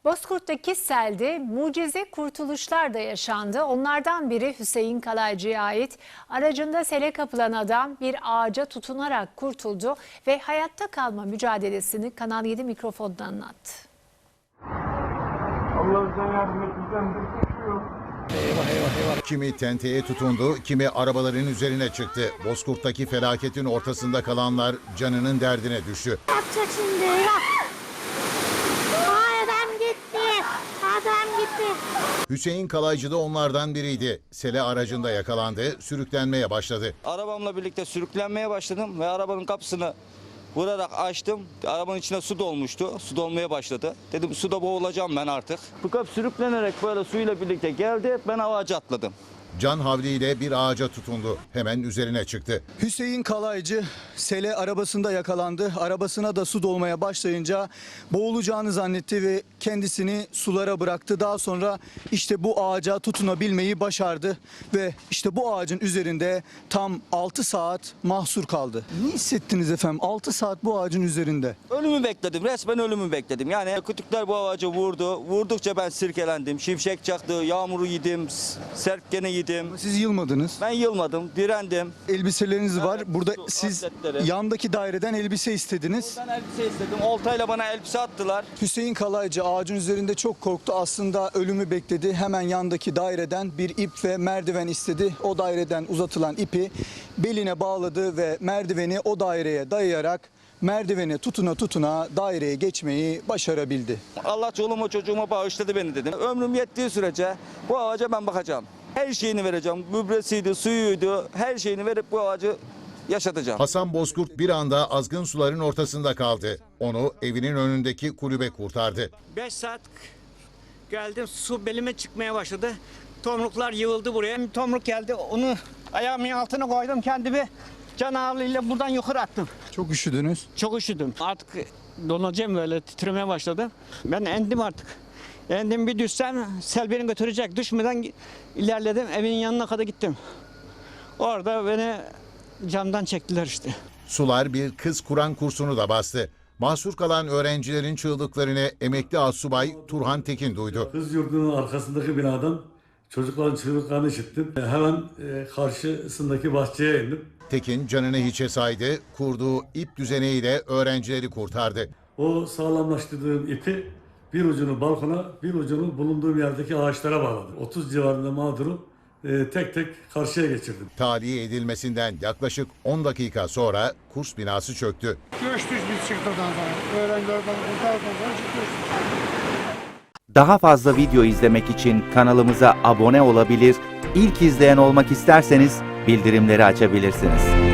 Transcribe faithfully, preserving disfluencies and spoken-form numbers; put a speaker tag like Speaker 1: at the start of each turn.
Speaker 1: Bozkurt'taki selde mucize kurtuluşlar da yaşandı. Onlardan biri Hüseyin Kalaycı'ya ait. Aracında sele kapılan adam bir ağaca tutunarak kurtuldu ve hayatta kalma mücadelesini Kanal yedi mikrofondan anlattı.
Speaker 2: Allah bize yardım etmeden de koşuyor.
Speaker 3: Eyvah eyvah eyvah.
Speaker 4: Kimi tenteye tutundu, kimi arabaların üzerine çıktı. Bozkurt'taki felaketin ortasında kalanlar canının derdine düştü.
Speaker 5: Yapacak şimdi ya. Ay, adam gitti. Adam gitti.
Speaker 4: Hüseyin Kalaycı da onlardan biriydi. Sele aracında yakalandı, sürüklenmeye başladı.
Speaker 3: Arabamla birlikte sürüklenmeye başladım ve arabanın kapısını vurarak açtım. Arabanın içine su dolmuştu. Su dolmaya başladı. Dedim suda boğulacağım ben artık. Bu kap sürüklenerek böyle suyla birlikte geldi. Ben ağaca atladım.
Speaker 4: Can havliyle bir ağaca tutundu. Hemen üzerine çıktı.
Speaker 6: Hüseyin Kalaycı sele arabasında yakalandı. Arabasına da su dolmaya başlayınca boğulacağını zannetti ve kendisini sulara bıraktı. Daha sonra işte bu ağaca tutunabilmeyi başardı ve işte bu ağacın üzerinde tam altı saat mahsur kaldı. Ne hissettiniz efendim? altı saat bu ağacın üzerinde.
Speaker 3: Ölümü bekledim. Resmen ölümü bekledim. Yani kütükler bu ağaca vurdu. Vurdukça ben sirkelendim. Şimşek çaktı. Yağmuru yedim. Serpkeni yedim.
Speaker 6: Siz yılmadınız.
Speaker 3: Ben yılmadım. Direndim.
Speaker 6: Elbiseleriniz var.
Speaker 3: Evet,
Speaker 6: Burada
Speaker 3: su,
Speaker 6: siz
Speaker 3: atletleri.
Speaker 6: yandaki daireden elbise istediniz.
Speaker 3: Ben elbise istedim. Oltayla bana elbise attılar.
Speaker 6: Hüseyin Kalaycı ağacın üzerinde çok korktu. Aslında ölümü bekledi. Hemen yandaki daireden bir ip ve merdiven istedi. O daireden uzatılan ipi beline bağladı ve merdiveni o daireye dayayarak merdivene tutuna tutuna daireye geçmeyi başarabildi.
Speaker 3: Allah çoluğuma çocuğuma bağışladı beni dedim. Ömrüm yettiği sürece bu ağaca ben bakacağım. Her şeyini vereceğim. Gübresiydi, suyuydu. Her şeyini verip bu ağacı yaşatacağım.
Speaker 4: Hasan Bozkurt bir anda azgın suların ortasında kaldı. Onu evinin önündeki kulübe kurtardı.
Speaker 7: beş saat geldim, su belime çıkmaya başladı. Tomruklar yığıldı buraya. Bir tomruk geldi, onu ayağımın altına koydum, kendimi can ağırlığıyla buradan yukarı attım.
Speaker 6: Çok üşüdünüz.
Speaker 7: Çok üşüdüm. Artık donacağım, böyle titremeye başladı. Ben endim artık. Endim, bir düşsem sel beni götürecek. Düşmeden ilerledim, evin yanına kadar gittim. Orada beni camdan çektiler işte.
Speaker 4: Sular bir kız Kur'an kursunu da bastı. Mahsur kalan öğrencilerin çığlıklarını emekli astsubay Turhan Tekin duydu.
Speaker 2: Kız yurdunun arkasındaki binadan çocukların çığlıklarını işittim. Hemen e, karşısındaki bahçeye indim.
Speaker 4: Tekin canını hiçe saydı, kurduğu ip düzeneğiyle öğrencileri kurtardı.
Speaker 2: O sağlamlaştırdığım ipi bir ucunu balkona, bir ucunu bulunduğum yerdeki ağaçlara bağladım. otuz civarında mağduru e, tek tek karşıya geçirdim.
Speaker 4: Tahliye edilmesinden yaklaşık on dakika sonra kurs binası çöktü.
Speaker 8: Göçtük biz çıktıktan sonra. Öğrencilerden kurtardıktan sonra çıkıyoruz.
Speaker 9: Daha fazla video izlemek için kanalımıza abone olabilir, ilk izleyen olmak isterseniz bildirimleri açabilirsiniz.